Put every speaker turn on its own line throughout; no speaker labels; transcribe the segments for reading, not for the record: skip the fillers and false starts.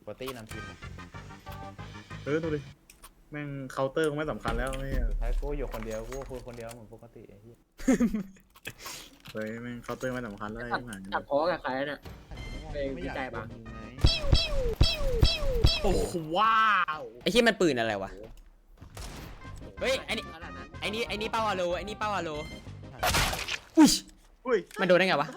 ปกตินำทีม
ดูดิแม่งเคาน์เตอร์ก็ไม่สำคัญแล้วเนี่ย
สุดท้ายกูอยู่คนเดียวกูคุยคนเดียวเหมือนปกติไอ้ที่
เฮ้ยแม่งเคาน์เตอร์ไม่สำคัญแล้วไอ้หาย
ตัดพอกับใครเนี่ย
ไม่อยาก
ใจปะ
โดนยิงไง
โอ้โหว้าว
ไอ้ที่มันปืนอะไรวะเฮ้ยไอ้นี่
ขนาดนั้น
ไอ้นี่เป้าวาโลไอ้นี่เป้าวาโลอุ้ย
อุ้ย
มันโดนได้ไงวะ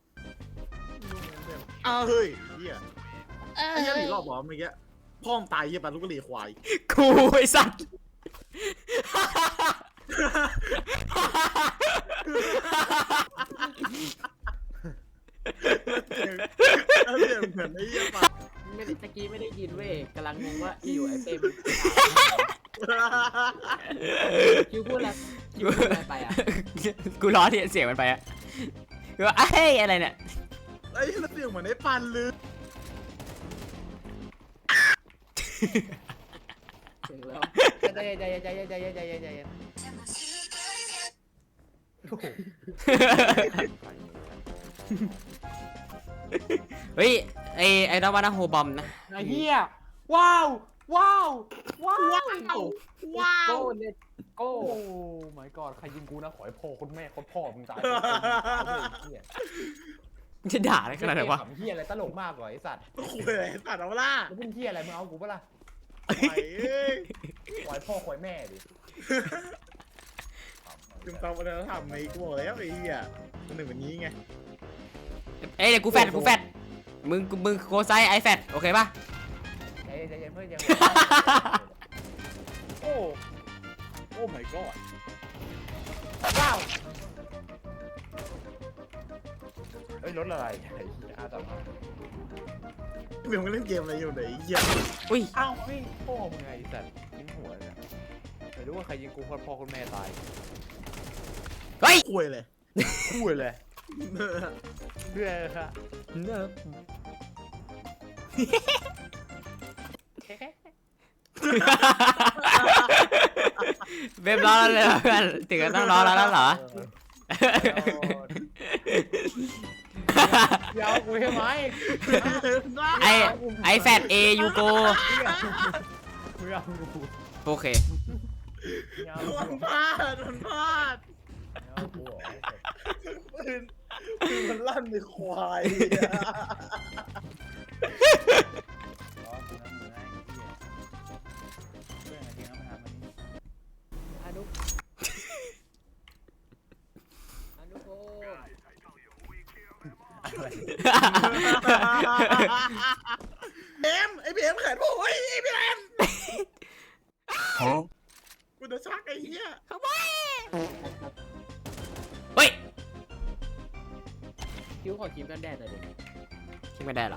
อ้าวเฮ้ยเฮียไอ้เหี้ยหลีรอบหรอเมื่อกี้พ่อมตายเฮียปลาลูกกระหรี่ควาย
กูไอ้สัตว์
แล้วเสียงเหมือนไอ้เฮียปลา
ไม่ได้ตะกี้ไม่ได้ยินเว้ยกำลังงงว่าอยู่ไอ้เป้มคิวพูดอะไรคิวพูดอะไรไปอ่ะ
กูล้อที่เสียงมันไปอะกูว่าเอ้ยอะไรเนี่ย
ไอ้เหี้ยเสียงเหมือนไอ้ปันเลย
เสียงแล้ว
ใจเย็นใจเย็นใจเย็นใจเย็นใจเย็นใจเย็นโอ้โห
เฮ้ยไอ้ดาวานาโฮบอมนะ
ไอ้เหี้ยว้าวว้าวว้าว
ว้าว
โก้เนี่ยโก้
โอ้ my god ใครยิงกูนะขอให้พ่อคุณแม่โคตรพ่อมึงตายเหี้ย
จะด่าอะไรขนาดนั้นวะ
ขำเหี้ยอะไรตลกมากกว่าไอ้สัตว์
คุยอะไรตัดเอาล่ะ
แล้วมึงเหี้ยอะไรมึงเอากูปะล่ะ
ไอ้เอ้ย
ขอให้พ่อขอให้แม่ดิ
จุ่มตามวัฒนธรรมในกูบอกแล้วไอ้เหี้ยมันหนึ่งแบบนี้ไง
เอ้ยเดี๋ยวกูแฟดมึงโกไซไอแฟดโอเคป่ะ
ใจเย็นใจเย็นเพื่อนยัง
โอ้โอ้ my god
ว้าวเฮ้ยรถอะไรไอ้เหี้ยอาตมา
เบียมก็เล่นเกมอะไรอยู่ไหนเหี้ย
อุ้ย
อ้าวเฮ้ยพ่อมึงไงไอ้สัตว์ยิงหัวเลยอะไม่รู้ว่าใครยิงกูโคตรพ่อคุณแม่ตาย
เฮ้ย
คุยเลย
พูดเลยเรื่อยครับ
เว็บร้อนแล้วเลยเพื่อนถึงกับต้องร้อนแล้วเหรอ
เดี๋ยวกูใช่ไหม
ไอแฟดเอยูโก
มึงเอากู
โอเค
มึงเอา
มัน
กู
พลาดมันพลาด
เอากูเหรอ
ปืนมันลั่นในควาย
ร้อนกูนะมึงไอ้เหี้ยเพื่อนอะไรจริงนะมันทำมัน
อนุอนุโก้
อะไร
เอ็มไอ้เบียมแขนโอ้ยไอ้เบียมกูจะชักไอ้เหี้ย
เฮ้ย
คิวขอครีมกันแดดหน่อยดิ
คิดไม่ได้เหรอ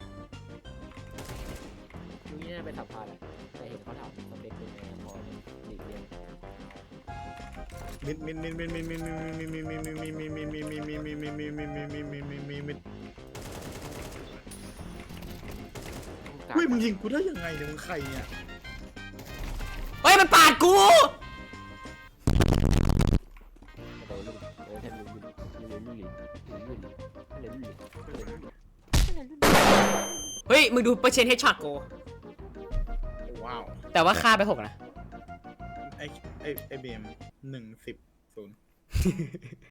คิวนี่น่าเป็นสัมภาษณ์แหละแต่เห็นเขาถามสเปคเป็นไงพอหลีกเลี่ยง
มิดเฮ้ยมึงยิงกูได้ยังไงเนี่ยมึงใครเนี่ย
เฮ้ยมันปาดกู เฮ้ยมึงดูเปอร์เซ็นต์เฮดช็อตกู
ว้าว
แต่ว่าค่าไป6นะ
ไอ้เบม1-10